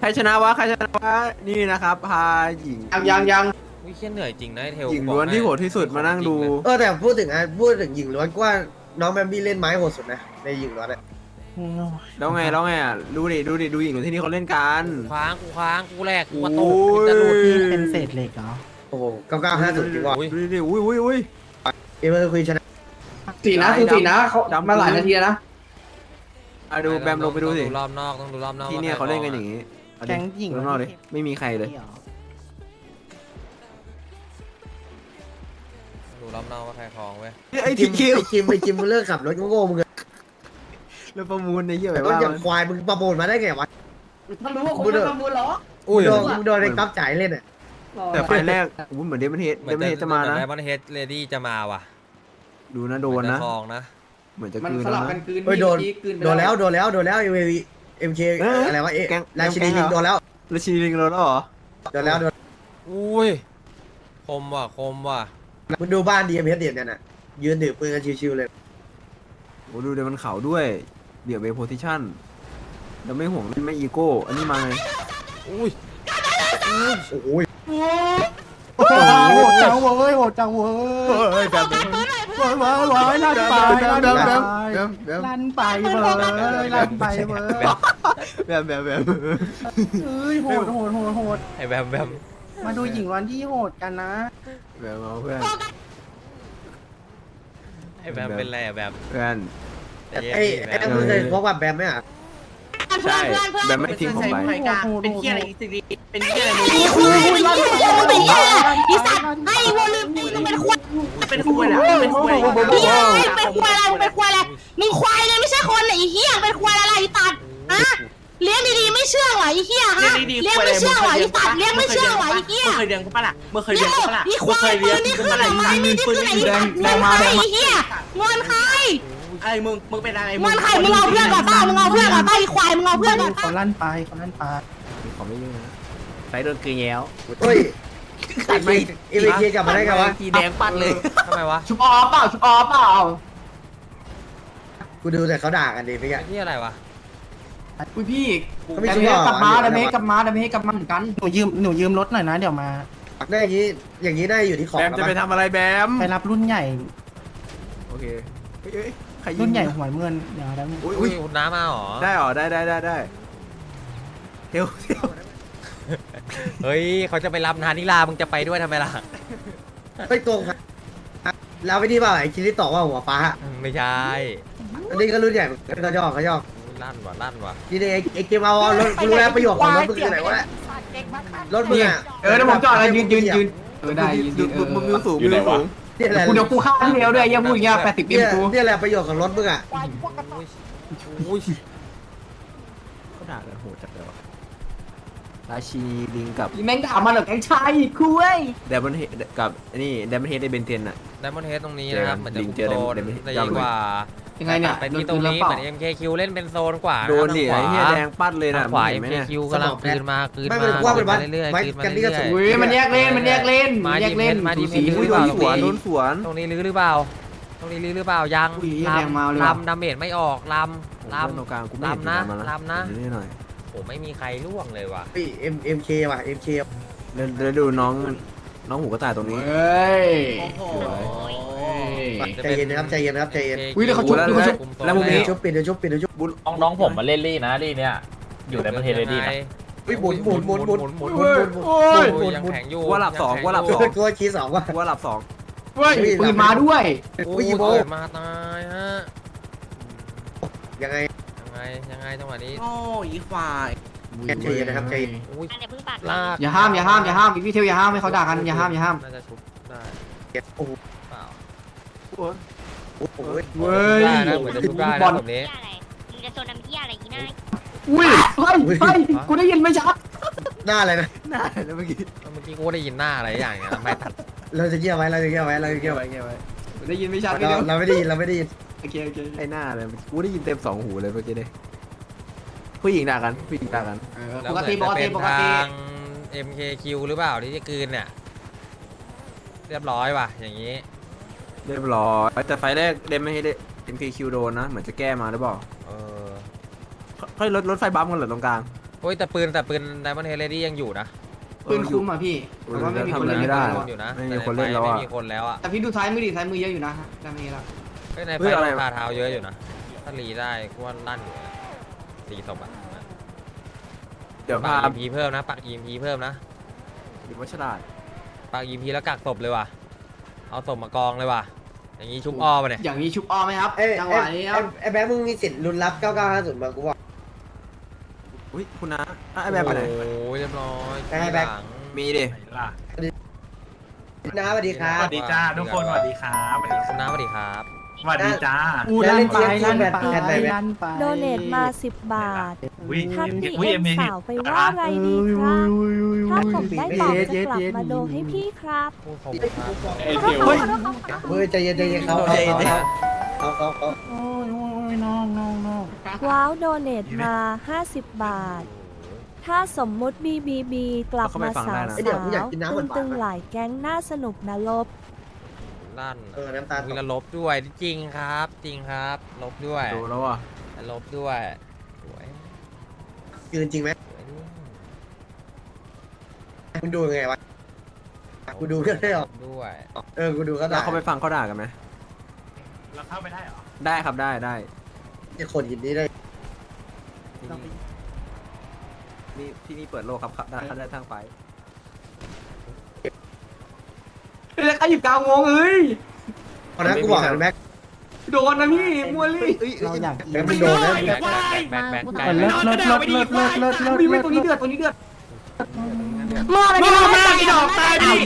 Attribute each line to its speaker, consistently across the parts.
Speaker 1: รชนะวะใครชนะวะนี่นะครับพาหญิง
Speaker 2: ยัง
Speaker 3: วิเชียเหนื่อยจริงนะไอ้เทล
Speaker 1: หญิงล้วนที่โหดที่สุดมานั่งดู
Speaker 4: แต่พูดถึงหญิงล้วนก็ว่าน้องแบมบี้เล่นไม้โหดสุดนะในหญิงล้วนเนี่ย
Speaker 1: แล้วไงอ่ะดูหญิงล้วนที่นี่เขาเล่นกัน
Speaker 3: กูค้างกูแหลกกูกระตุ
Speaker 1: โอ้
Speaker 3: ก
Speaker 1: ย
Speaker 3: จะหลุด
Speaker 5: เป็นเศษเหล็กเหรอ
Speaker 4: โอ้โห9950จริงว่ะ
Speaker 3: อุ้ย
Speaker 1: ดูดิอุ้ย
Speaker 4: เอเวอร์คุยชนะ
Speaker 2: สีนะคือสีนะเขามาหลายนาทีแล้วนะ
Speaker 1: อ่ะดูแบมลงไปดูสิ
Speaker 3: ต้องดูรอบนอกต้องดูรอบนอก
Speaker 1: ที่เนี่ยเขาเล่นกันอย่างงี้
Speaker 5: แก๊งหญิง
Speaker 1: ข้างนอกเลยไม่มีใครเลย
Speaker 3: ดูรอบนอกว่าใครคลองเว้ย
Speaker 1: ไอ้ทีคิว
Speaker 4: ไอจิมมึงเลิกขับรถโง่ๆมึงเลย
Speaker 1: แล้วประมูลในเหี้ยแบบ
Speaker 4: รถ
Speaker 1: ว่า
Speaker 4: อย่างควายมึงประมูลมาได้ไงวะ
Speaker 2: มันรู้ว่าคนจะประมูลเหรอ
Speaker 3: อุ้ย
Speaker 4: มึงโดนไอ้ก๊อฟจ่ายเล่นอ่ะ
Speaker 1: แต่ไฟแรกเหมือนเดมอนเฮดจะมานะ
Speaker 3: ไดมอนเฮดเลดี้จะมาว่ะ
Speaker 1: ดูนะโดนนะ
Speaker 3: คลองนะ
Speaker 1: เหมือนจะ
Speaker 2: มัน
Speaker 1: คืน
Speaker 2: สลับ
Speaker 1: นะ
Speaker 2: กันคืน
Speaker 4: เฮ้ยโดน
Speaker 2: คืนไป
Speaker 4: โดนแล้วเอ็มเคอะไรวะราชินีลิงโดนแล้ว
Speaker 1: แล้วชีลิงโดนแล้วเหรอ
Speaker 4: โดนแล้ว
Speaker 3: อุ้ยคมว่ะ
Speaker 4: มึงดูบ้านดีเอ็มเอสเดียนน่ะยืนถือปืนกันชิวๆเลย
Speaker 1: โอ้ดูเดี๋ยวมันเข่าด้วยเดี๋ยวเบโพซิชั่นแล้วไม่ห่วงไม่อีโก้อันนี้มาไง
Speaker 3: อุ้ย
Speaker 4: โอ้ย
Speaker 5: โหดจังเว้ยโหดจังเว้ยแบบว้ายลั่นไปลั่นไปลั่นไปเว้ย
Speaker 1: แบบ
Speaker 5: เอ้ยโหด
Speaker 3: ไอ้แบม
Speaker 5: มาดูหญิงวันที่โหดกันนะ
Speaker 1: แบบเอาเพื่อน
Speaker 3: ไอ้แบมเป็นไรอะแบม
Speaker 1: เพื่อน
Speaker 4: ไอ้มึงเคยพบกับแบมไหมอ่ะ
Speaker 1: ใช่แบบไม่ทิ้งผมไป
Speaker 5: เป็นเคี้ยอะไร
Speaker 6: เป็นเหี้ยเป็นเหี้ยเป็นเหี้ยอีสัตว์ไอ้วัวลืมมึงเป็นควาย
Speaker 5: เป็นคุยแหละเป็นคุย
Speaker 6: เหี้ยเป็นควายอะไรมึงเป็นควายอะไรมึงควายเลยไม่ใช่คนไอ้เหี้ยเป็นควายอะไรไอ้ตัดฮะเลี้ยงดีๆไม่เชื่อหรอไอ้เหี้ยฮะเลี้ยงไม่เชื่อหรอไอ้ตัดเลี้ยงไม่เชื่อหรอไอ้เหี้ย
Speaker 5: เคยเลี้ยงเขาปะล่ะเมื่อเคย
Speaker 6: เลี้
Speaker 5: เลี้
Speaker 6: ย
Speaker 5: ย
Speaker 6: ง
Speaker 5: งเขาปะล่ะ
Speaker 6: นี่ควายปืนนี่คืออะไรนี่คืออะไรแดงมาไอ้เหี้ยงอนใคร
Speaker 5: ไอ้มึงเป็นอะไร
Speaker 6: งอนใครมึงเอาเพื่อนก่อนป้ามึงเอาเพื่อนก่อนป้าไอ้ควายมึงเอาเพื่อนก่อน
Speaker 5: เขาลั่นไป
Speaker 1: ขอไม่ยุ่งนะไฟโดนกลืนแย้ว
Speaker 4: เฮ้ยเอ็มเคกลับมาได้ไงวะ
Speaker 1: ทีแดงปัดเลย
Speaker 3: ทำไมวะ
Speaker 2: ชุบออฟเปล่า
Speaker 4: กูดูแต่เขาด่ากันดีไปกัน
Speaker 3: ที่อะไรวะ
Speaker 2: อุ้ยพี่
Speaker 4: เขาไม่
Speaker 2: ดา
Speaker 4: ชุบ
Speaker 2: เม
Speaker 4: หร
Speaker 2: จ
Speaker 4: อก
Speaker 2: ลับมาดาเมจกลับมาเหมือนกัน
Speaker 5: หนูยืมรถหน่อยนะเดี๋ยวมา
Speaker 4: ได้อย่างนี้ได้อยู่ที่ของ
Speaker 1: แบมจะไปทำอะไรแบม
Speaker 5: ไปรับรุ่นใหญ่
Speaker 1: โอเคใครยิง
Speaker 5: รุ่นใหญ่หัวเงินเดี๋ยวแล้ว
Speaker 3: อุ้ยคุณน้ามาหรอ
Speaker 1: ได้หรอได้เที่ยว
Speaker 3: เฮ้ยเขาจะไปรับนานิลามึงจะไปด้วยทำไมล่ะ
Speaker 4: เฮ้ยตรงครับเราไม่ที่ว่าไอ้คิริตอกว่าหัวฟ้า
Speaker 3: ไม่ใช่
Speaker 4: อันนี้ก็รุ่นใหญ่เขาย่อ
Speaker 3: ลั่นว่ะ
Speaker 4: นี่ไอ้เกมเอารถรู้แล้วประโยชน์ของรถมึงคือไหนวะรถมึงอ่ะ
Speaker 2: เดี๋ยวผมจอดแล้วยืนได้ยืน
Speaker 1: มึงสูง
Speaker 4: นี่แหละ
Speaker 2: กูเดี๋ยวกูฆ่าเร็วด้วยยังพูดอย่างเงี้ย80ปีกู
Speaker 4: นี่แหละประโยชน์ของรถมึงอ่ะ
Speaker 3: อุ้ย
Speaker 1: เขาด่ากันโหดจัดเลยวะราชีลิงกับ
Speaker 2: แม่งถามมาเหรอแกงชายคุย
Speaker 1: เดมอนเฮดกับนี่เดมอนเฮดในเบนเทนอะ
Speaker 3: ไดมอนเฮดตรงนี้นะครับเหมือนจะคุม
Speaker 1: เจอ
Speaker 3: โซน
Speaker 1: เดมอนเฮด
Speaker 3: ได้ดีกว่า
Speaker 2: ยังไงเนี่ย
Speaker 3: ไปที่ตรงนี้เหมือน MKQ เล่นเป็นโซนกว่า
Speaker 1: โดนดิไอ้เหี้ยแดงปัดเลยนะ
Speaker 3: ขวา
Speaker 1: เห็นไหมเนี่ย
Speaker 3: MKQ กำลังคืนมา
Speaker 4: ไม่เป็นว่าเป็นวัด
Speaker 3: เรื่อย
Speaker 4: ไม้
Speaker 3: ๆคืนมา
Speaker 4: กันนี่ก็
Speaker 3: เรื่
Speaker 4: สู
Speaker 3: อง ย
Speaker 2: อุ้ยมันแยกเล่นมา
Speaker 3: ๆ
Speaker 2: แยกเล่น
Speaker 3: มาดี
Speaker 1: สี
Speaker 3: หรือ
Speaker 1: โด
Speaker 3: เปล่าน
Speaker 1: สวนโดนสวน
Speaker 3: ตรงนี้ลื้อหรือเปล่าตรงนี้ลื้อหรือเปล่ายัง
Speaker 2: อุ้ยแดงมาเลย
Speaker 3: ลำดาเมจไม่ออกลำ
Speaker 1: ตรงกลางกูไม่เห็น
Speaker 3: ลำนะ
Speaker 1: มา
Speaker 3: ลำนะ
Speaker 1: นี่หน่อย
Speaker 3: โอ้ไม่มีใครล่วงเลยว่ะ
Speaker 4: เอ็มเคว่ะเอ็มเค
Speaker 1: แล้วดูน้องหูกระต่ายตรงนี้
Speaker 2: เฮ้ย
Speaker 4: ใจเย็นนะครับใจเย็นนะครับใจเย็น
Speaker 2: อุ้ยเดี๋ยวเขาชุบ
Speaker 1: แล้วมุมนี้
Speaker 4: ชุบปิดเดี๋ยวชุบ
Speaker 7: น้องผมมาเล่นลี่นะลี่เนี่ยอยู่ในประเทศเลยดีนะ
Speaker 4: หมุน
Speaker 3: หมุนหมุน
Speaker 2: โอ้ย
Speaker 3: ยังแข็งอยู่
Speaker 1: ว่าหลับสองว่าหลับสอง
Speaker 4: ตัวคีสองว่ะ
Speaker 1: ว่าหลับสอง
Speaker 2: เฮ้ยปืนมาด้วย
Speaker 3: อุ้ยมาตายฮะ
Speaker 4: ยังไง
Speaker 3: ยังไงจังหวะนี้
Speaker 5: โอ้ยควาย
Speaker 4: ใจเย็นนะครับใจเย็น
Speaker 3: อุ้ย
Speaker 6: อันเดี๋ยวเพิ่งปาก
Speaker 3: ลาก
Speaker 2: อย่าห้ามพี่เทลอย่าห้ามให้เขาด่ากันอย่าห้าม
Speaker 3: น่าจะชุบได้
Speaker 4: โอ้โห
Speaker 3: เปล่า
Speaker 4: โอ้โห
Speaker 2: เว้ย
Speaker 3: ได้นะเหมือนจะชุบได้นะแบบนี้
Speaker 6: เหี้ยอะไรมึงจะโซนน้ำเหี้ยอะไรอีน่า
Speaker 2: อุ้ยเฮ้ยกูได้ยินไม่ชัด
Speaker 4: หน้าอะไรนะ
Speaker 1: น่าแล้วเมื่อกี้
Speaker 3: เมื่อกี้กูได้ยินหน้าอะไรอย่างเงี้ยไม่ตัด
Speaker 4: เราจะเกี่ยวไว้เราจะเกี่ยวไว้เราจะเกี่ยวไว้
Speaker 2: ได้ยินไม่ชัดพี่
Speaker 4: เราไม่ได้ยินเราไม่ได้ยิน
Speaker 2: โอเค
Speaker 1: ไอ้หน้าเลยกูได้ยินเต็มสองหูเลยเมื่อกี้เนี่ยผู้หญิงด่ากันผู้หญิงด่ากัน
Speaker 3: แล้วเหมือนจะเป็นทาง MKQ หรือเปล่าที่จะคืนเนี่ยเรียบร้อยว่ะอย่างนี้
Speaker 1: เรียบร้อยแต่ไฟแรกเดมไม่ให้ได้ MKQ โดนนะเหมือนจะแก้มาหรือเปล่า
Speaker 3: เออ
Speaker 1: ค่อยรถไฟบัมกันเหรอตรงกลาง
Speaker 3: ผโอ้ยแต่ปืนไดมอนด์เฮดเลดี้ยังอยู่นะ
Speaker 2: ปืนคุ้มอ่ะพี่แต่ว่าไม่มี
Speaker 1: ทำ
Speaker 2: ค
Speaker 1: อะ
Speaker 2: น
Speaker 1: ไร
Speaker 2: เล่น
Speaker 1: ไม่ได้
Speaker 3: อยู่นะ
Speaker 1: ไม่มีคนเล่นแล้ว
Speaker 3: ไม่
Speaker 1: อ่ะ
Speaker 3: มีคนแล้วอ่ะ
Speaker 2: แต่พี่ดูท้ายมือดิท้ายมือเยอะอยู่นะจำนี้ละ
Speaker 3: เฮ้ยใน
Speaker 1: เฮ้
Speaker 3: ไฟ
Speaker 1: ยอะไร
Speaker 3: คาเท้าเยอะอยู่นะถ้ารีได้กูว่าลั่นอยู่นะตีศพอ่ะ
Speaker 1: เดี๋ยว
Speaker 3: ปั
Speaker 1: พาก
Speaker 3: EMP เพิ่มนะปัก EMP เพิ่มนะ
Speaker 1: ดิวัชราด
Speaker 3: ปัก EMP แล้วกักศพเลยว่ะเอาศพมากองเลยว่ะอย่างงี้ชุบอ้อมไปเนี่ย
Speaker 2: อย่างนี้ชุบอ้อมไหมครับ
Speaker 4: เอ้ย
Speaker 2: จังหวะนี้ครับ
Speaker 4: ไอ้แบงค์มึงมีสิทธิ์ลุ้นรับ9950มากูบอก
Speaker 1: อุ้ยคุณน้าไอ้แบบไปไหน
Speaker 3: โอ้ยเรียบร้อย
Speaker 4: ไปให้แบ็ค
Speaker 3: หลัง
Speaker 1: มีดิ
Speaker 8: ล่ะ
Speaker 4: นะสวัสดีครั
Speaker 8: ส
Speaker 4: บ
Speaker 8: วัสดีจ้าทุกคนสวัสดีครับสวัสดี
Speaker 3: คุณน้าสวัสดีครับ
Speaker 8: สวัสดีจ้า
Speaker 5: อู้ลั่นไปลั่นไปลั่นไป
Speaker 9: โดเนทมา 10 บาท
Speaker 8: วิ
Speaker 9: ทักพี่
Speaker 8: วิ
Speaker 9: เอ็
Speaker 8: เอ็
Speaker 9: ม
Speaker 8: มเอ
Speaker 9: สาวไปว่าไงดีครับ ถ้าผมได้ตอบจะกลับมาโดให้พี่ครับ
Speaker 3: พูดขอบคุณครับ
Speaker 1: เฮ้ย
Speaker 4: เฮ้ยใจเย็นใจเย็นเขา
Speaker 1: ใจเย็น
Speaker 4: เขา
Speaker 5: โอ้ยน้อง
Speaker 9: ว้าวโดเนทมา 50 บาท ถ้าสมมุติ BBB กลับมาสาวตึงๆหลายแก๊งน่าสนุกนะลบ
Speaker 3: ลั่น
Speaker 4: น้ำตา
Speaker 3: มีละลบด้วยจริงครับ จริงครับ ลบด้วย
Speaker 1: ดูแล้วอ่ะ
Speaker 3: ลบด้วยสวย
Speaker 4: ยืนจริงไหม
Speaker 3: สวยด้วย
Speaker 4: คุณดูยังไงวะกูดูก็ได้หรอ
Speaker 3: ด้วย
Speaker 4: กูดูก็
Speaker 1: แล้
Speaker 4: ได้
Speaker 1: วเขาไปฟังเขาด่ากันไหม
Speaker 8: เราเข้าไปได้เหรอ
Speaker 1: ได้ครับได้ได้
Speaker 4: จะคนยินดีได้
Speaker 1: นี่ที่นี่เปิดโลกครับได้ทางไป
Speaker 2: แล้วใครหยิบกาวงงเอ้ย
Speaker 4: ตอนนั้นกูบอกแบ็ค
Speaker 2: โดนนะพี่มัวลี่
Speaker 5: เราอยาก
Speaker 4: แบ็คมันโดนนะ
Speaker 3: แบ็คแบ็คแบ็ค
Speaker 5: เลิศเลิศเลิศเลิศเลิศเลิศเลิศ
Speaker 2: มีไม่ตัวนี้เดือดตัวนี้เดือด
Speaker 6: มอมันจะมาใส่ดอกตายดิ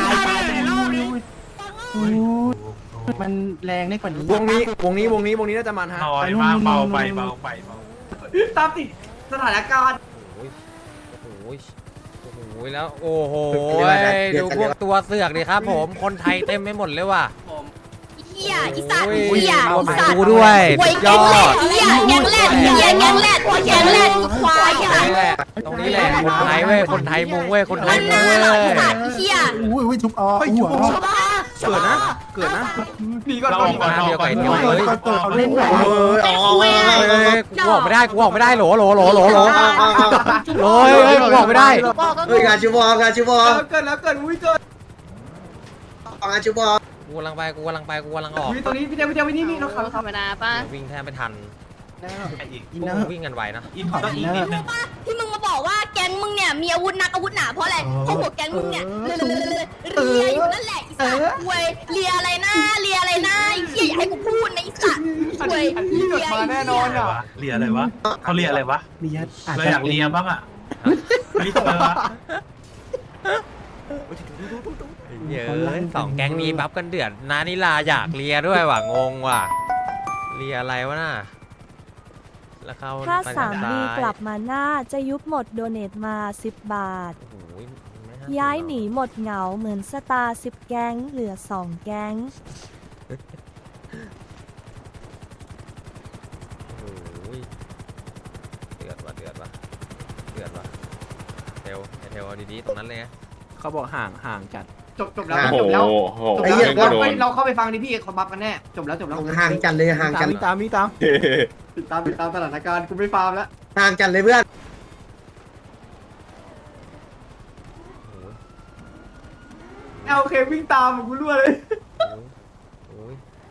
Speaker 5: มันแรงได้กว่านี้
Speaker 1: วงนี้น่าจะมันฮะ
Speaker 8: น้อยมากเบาไปเบาไปเบา
Speaker 2: ตามติดสถานการณ์
Speaker 3: โอ้โหแล้วโอ้โหดูพวกตัวเสือกดิครับผมคนไทยเต็มไปหมดเลยว่ะ
Speaker 6: เฮียอีสัตว์เฮียอีสัตว์
Speaker 3: ดูด้วย
Speaker 6: หวย
Speaker 3: ย
Speaker 6: แก
Speaker 3: อง
Speaker 6: แร
Speaker 3: ด
Speaker 6: ดเฮียแกงแรดแกงแรดควาย
Speaker 3: ตรงนี้แหละตรงนี้แหละคนไทยเว้ยคนไทยมุงเว้ยคนไทยมุงเว้ย
Speaker 6: อีสัตว์เฮีย
Speaker 5: อุ้ยทุบอ้อหัว
Speaker 1: เกิดนะ
Speaker 2: หนีก่อน
Speaker 8: เรา
Speaker 2: ก่อน
Speaker 8: ออกก่อนออกก่อน
Speaker 5: เขาเล่นแบบ
Speaker 3: กูออกไม่ได้กูออกไม่ได้โหลกูออกไม่ได้
Speaker 4: งานชิวองานชิวอ
Speaker 2: เกิดแล้วเกิดอุ้ยเกิด
Speaker 4: งานชิวอ
Speaker 3: กูกำลังออก
Speaker 2: อุ้ยตัวนี้พี่เดียวนี่เราขับ
Speaker 6: ธรรมดาป่ะ
Speaker 3: วิ่งแทบไม่ทัน
Speaker 8: อีก
Speaker 5: อิน
Speaker 3: พว
Speaker 5: เน
Speaker 3: ก
Speaker 5: อ
Speaker 3: มึง
Speaker 5: ร์
Speaker 3: วิ่งกันไวนะ
Speaker 8: อีกต้องอีกนิดนึง
Speaker 6: ที่มึงมาบอกว่าแก๊งมึงเนี่ยมีอาวุธนักอาวุธหนาเพราะอะไรเพราะหัวแก๊งมึงเนี่ยเลียอยู่นั่นแหละอีสัตว์เว้ยเลียอะไรนะเลียอะไรนะไอ้เหี้ยอย่าให้กูพูดนะไอ้สัตว์เว้ย
Speaker 2: พี่เกิดมาแน่นอนอ่ะ
Speaker 8: เลียอะไรวะเขาเลียอะไรวะ
Speaker 5: มียัดอาจ
Speaker 8: เรา
Speaker 5: จะ
Speaker 8: อยากเลียบ้างอ่ะนี่อะไรวะ
Speaker 3: เยอะสองแก๊งนี้บัฟกันเดือดนานิลาอยากเลียด้วยว่ะงงว่ะเลียอะไรวะน่ะแล้วเขา
Speaker 9: ถ้า3ดีกลับมาหน้าจะยุบหมดโดเนทมา 10 บาท
Speaker 3: โอ้โห
Speaker 9: ย้ายหนีหมดเหงาเหมือนสตาร์10 แก๊งเหลือ 2 แก๊ง
Speaker 3: โอ้โหเดือดว่ะเทลเอาดีๆตรงนั้นเลยไง
Speaker 1: เขาบอกห่างจัด
Speaker 2: จบแล้วจบแล้วเราเข้าไปฟังดิพี่เขาบัฟกันแน่จบแล้ว
Speaker 4: ห่างกันเลยห่างกัน
Speaker 1: ตาม
Speaker 2: ติดตามสถานการณ์กูไม่ฟาร์มแล้ว
Speaker 4: ห่างกันเลยเพื่อน
Speaker 2: โอเควิ่งตามกูรั่วเลย
Speaker 3: โอ้ย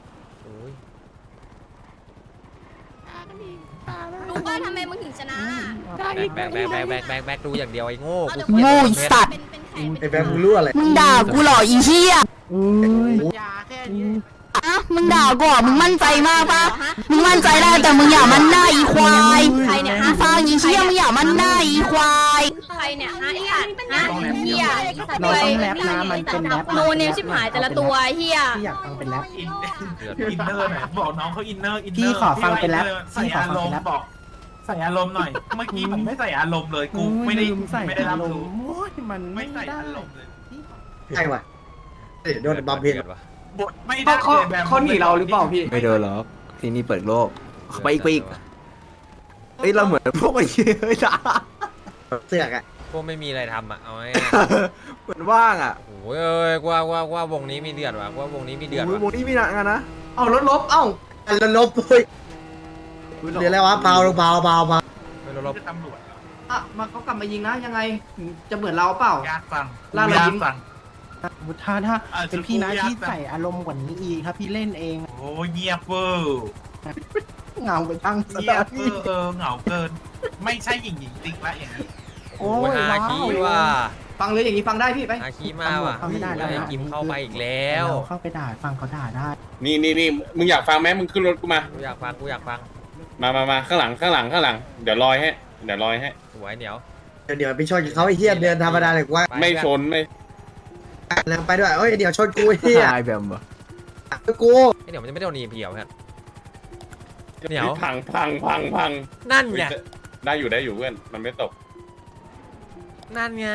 Speaker 6: รู้ป่ะทำไมมึงถึงชนะ
Speaker 3: แบกดูอย่างเดียวไอ้โง่
Speaker 6: โง่อีสัตว์
Speaker 4: ไอ้แบงค์มึงรู้อะไร
Speaker 6: มึงด่ากูเหรออีเหี้ย
Speaker 5: อุ้ย
Speaker 6: อะมึงด่ากูเหรอมึงมั่นใจมากปะมึงมั่นใจได้แต่มึงอย่ามันหน้าอีควายใครเนี่ยฮะฟังอีเหี้ยมึงอย่ามันหน้าอีควายใครเนี่ยฮะไอ้สัตว์ฮะเหี้ย
Speaker 5: เราต้องแรปนะมันเป็นแรป
Speaker 6: โนเนมชิบหายแต่ละตัวเหี้ย
Speaker 5: พี่อยากฟังเป็นแรป
Speaker 8: อินเนอร์หน่อยบอกน้องเขาอินเนอร์
Speaker 5: พี่ขอฟังเป็นแรป
Speaker 8: ใส่อารมณ์บอกใส่อารมณ์หน่อยเมื่อกี้ผมไม่ใส่อารมณ์เลยกูไม่ได้รับรู้
Speaker 5: โอ้ยมัน
Speaker 8: ไม่ใส่อารมณ์เลย
Speaker 4: ใช่ว่ะโดนบัมเพน
Speaker 8: บทไม่ได้
Speaker 2: เขาหนีเราหรือเปล่าพี่
Speaker 1: ไม่เดินหรอกที่นี่เปิดโลกไปอีกเอ้ยเราเหมือนพวกไอ้เหี้ยเฮ้ยจ้า
Speaker 4: เสือกอ่ะ
Speaker 3: พวกไม่มีอะไรทำอ่ะเอาไง
Speaker 1: เหมือนว่างอ่ะ
Speaker 3: โอ้ยเอ้ยว่าวงนี้มีเดือดว่ะว่าวงนี้มีเดือด
Speaker 1: ว
Speaker 3: ว่ะ
Speaker 1: งนี้มีหนักกันนะ
Speaker 2: เอารถลบเอ้า
Speaker 4: แล้วลบเฮ้ยเดี๋ยวอะไรวะเบา
Speaker 3: ไม่รู้ลบ
Speaker 8: ตำรวจ
Speaker 2: เออ่ะมาเขากลับมายิงนะยังไงจะเหมือนเราเปล่า
Speaker 8: ยากฟัง
Speaker 2: ล่าเรายิ้ม
Speaker 8: ฟัง
Speaker 5: ถ้าเป็นพี่นะที่ใส่อารมณ์กว่านี้อีกครับพี่เล่นเอง
Speaker 8: โอ้เงียบเวอร์
Speaker 5: เงาไปทั้งส
Speaker 8: เงีย
Speaker 5: ตา
Speaker 8: บ
Speaker 5: ร์
Speaker 8: เว
Speaker 5: พี่
Speaker 8: อร์เหงาเกิน ไม่ใช่หญิงติ๊กละอย่างนี้
Speaker 5: โอ้
Speaker 3: โอ้
Speaker 5: ย
Speaker 3: ยฮาคิ
Speaker 5: ว้าว
Speaker 3: ว่า
Speaker 2: ฟังเลยอย่างนี้ฟังได้พี่ไป
Speaker 3: ฮาคิมาว่ะ
Speaker 5: เข้าไม่ได้แล้ว
Speaker 3: ไอ้
Speaker 5: นะ
Speaker 3: กิมเข้าไปอีกแล้ว
Speaker 5: เราเข้าไปด่าฟังเขาด่าได้
Speaker 10: นี่มึงอยากฟังไหมมึงขึ้นรถกูมา
Speaker 3: กูอยากฟังกูอยากฟัง
Speaker 10: มาข้างหลังเดี๋ยวลอยให้
Speaker 3: สวยเหนียว
Speaker 4: เดี๋ยวไปชนเขาไอ้เหี้ยเดินธรรมดาเลยว่า
Speaker 3: ไป
Speaker 10: ไม่ชนไม่
Speaker 4: แล้วไปด้วยเอ้ยเดี๋ยวชนกูไอ้เหี้ย
Speaker 1: ตายแบบเหรอ
Speaker 4: กู
Speaker 3: ไอ้เหนียวมันจะไม่โดนนีเพียวครับเหนียว
Speaker 10: พัง
Speaker 3: นั่นไง
Speaker 10: ได้อยู่เพื่อนมันไม่ตก
Speaker 3: นั่นไง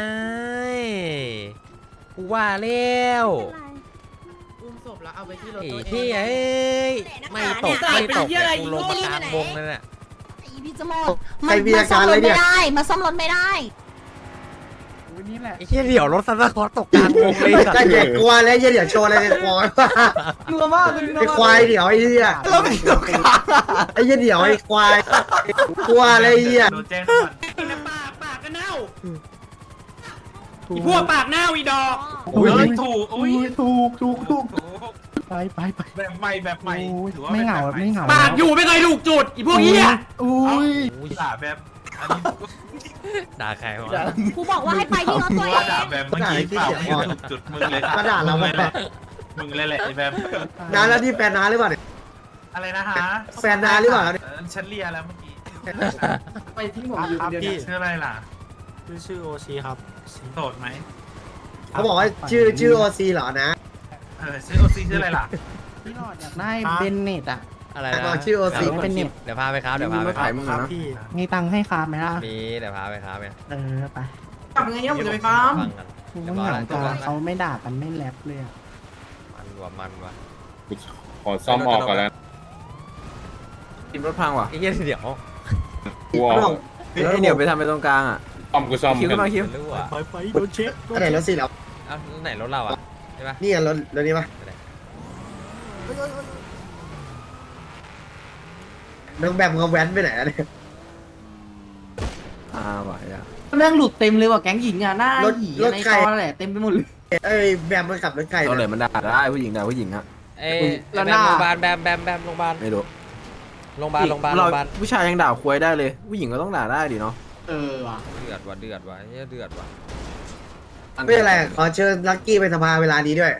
Speaker 3: กูว่าแล้วไอ้ที่เอ้ยไม่ตกแต่กูลงมากลางวงนั่นแหละ
Speaker 6: พี่จะหมดมันซ่อมรถไม่ได้มาซ่อมรถไม่ได้
Speaker 5: นี่แหละ
Speaker 3: ไอ้ที่เดี๋ยวรถซันตาคลอสตกกลางวงเลยสัต
Speaker 4: ก็
Speaker 3: ว์
Speaker 4: เด็กกลัวแล้วเดี๋ยวโชว์อะไรในควาย
Speaker 2: นัวมากเลย
Speaker 4: ไอ้ควายเดี๋ยวไอ้เหี้ย
Speaker 5: แล้วไม่ตกกลาง
Speaker 4: ไอ้เหี้ยเดี๋ยวไอ้ควายกลัวอะไรเหี้ย
Speaker 8: โดนแจ้งก่อน
Speaker 5: อีพวกปากหน้าอีดอก
Speaker 8: เฮ้ยถูกอุ้ย
Speaker 5: ถูก
Speaker 8: ถูก
Speaker 5: ไป
Speaker 8: แบบใหม่
Speaker 5: โอ้ย
Speaker 8: ถือว่า
Speaker 5: ไม่เหงา
Speaker 8: แบบให
Speaker 5: ไม่เหงา
Speaker 8: ปากอยู่
Speaker 5: ไม่เคยถูกจุดอีพวกเหี้ยอุ้ย
Speaker 8: ด่าแบบอันนี้
Speaker 3: ด่าใครวะ
Speaker 6: กูบอกว่าให้ไปที่รถตัวเอ
Speaker 8: ว่าด่าง แบบเมื่อกี้เปล่าไม่ถูกจุดมึงเลย
Speaker 4: มาด่าเรา
Speaker 8: มึง
Speaker 4: แบ
Speaker 8: เลย
Speaker 4: บ
Speaker 8: มึงเลยแหละไอ้แบบ
Speaker 4: น้าแล้วที่แฟนน้าหรือเปล่าเนี่ย
Speaker 8: อะไรนะฮะ
Speaker 4: แฟนน้าหรือเปล่าเนี่ย
Speaker 8: ฉันเลียแล้วเมื่อกี้
Speaker 2: ไปที่ผมอยู่คนเดียวเนี่ย
Speaker 8: ชื่ออะไรล่ะ
Speaker 5: ชื่อโอซีครับ
Speaker 8: โสดไหม
Speaker 4: เขาบอกว่าชื่อโอซีเหรอนะ
Speaker 8: ชื่อโอซีชื่ออะไรล่ะ
Speaker 5: พี่หลอดอยากได้เบนเน็ตอ่ะ
Speaker 3: อะไร
Speaker 4: บ
Speaker 3: นะ
Speaker 4: อกชื่อโอซี
Speaker 5: ไม่เป็นเน็ต
Speaker 3: เดี๋ยวพาไปครับเดี๋ยวพาไป
Speaker 1: มา
Speaker 3: ครั
Speaker 1: ถ่าย
Speaker 3: บ
Speaker 1: มึงเหรอนะ
Speaker 5: มีตังค์ให้คาไหมล่ะ
Speaker 3: มีเดี๋ยวพาไปครับเนี่ย
Speaker 5: ไป
Speaker 2: กลับไงเนี่ยผมจะไปฟาร์ม
Speaker 3: ฟังกัน
Speaker 5: กูไม่เหงาจังเขาไม่ด่ากันไม่แรปเลยอะ
Speaker 3: มันว่ะ
Speaker 10: ขอซ่อมออกก่อนแล้ว
Speaker 1: กินรถพังว่ะ
Speaker 3: ไอ้เหี้ยเดี๋ยว
Speaker 10: กูออก
Speaker 1: ไอ้เดี๋ยวไปทำไปตรงกลางอ่ะ
Speaker 10: กูซ่อม
Speaker 1: คิวขึ้นมาคิว
Speaker 3: ไม่รู้อ่ะ
Speaker 5: ไปโดนเช็ค
Speaker 4: อันไหนรถซีเหรอ
Speaker 3: เอ้าไหนรถเราอ่ะใช่ปะ
Speaker 4: นี่รถนี้ปะน้องแบมเขาแว้นไปไหนอะเนี่ย
Speaker 1: ว่ะอ่ะ
Speaker 2: แม่งหลุดเต็มเลยว่ะแก๊งหญิงอ่ะหน้าหยีในตอแหละเต็มไปหมดเลย
Speaker 4: เอ้ยแบมมันขับรถไก่
Speaker 1: ตอนไหน
Speaker 4: นะ
Speaker 1: มันด่าได้ผู้หญิงด่าผู้หญิงอ่ะ
Speaker 3: เอ้ย
Speaker 2: แล้ว
Speaker 3: แบ
Speaker 2: หน้า
Speaker 3: มโรงพยาบาลแบมโรงพยาบาล
Speaker 1: ไม่รู้
Speaker 3: โรงพยาบาลโรงพยาบาล
Speaker 1: เรา
Speaker 3: โรงพยาบาล
Speaker 1: ผู้ชายยังด่าควยได้เลย ผู้หญิงก็ต้องด่าได้ดิเนาะ
Speaker 2: ว่ะ
Speaker 3: เดือดว่ะเหี้ยเดือดว่ะ
Speaker 4: ไม่เป็นไรขอเชิญลักกี้ไปสภาเวลานี้ด้วย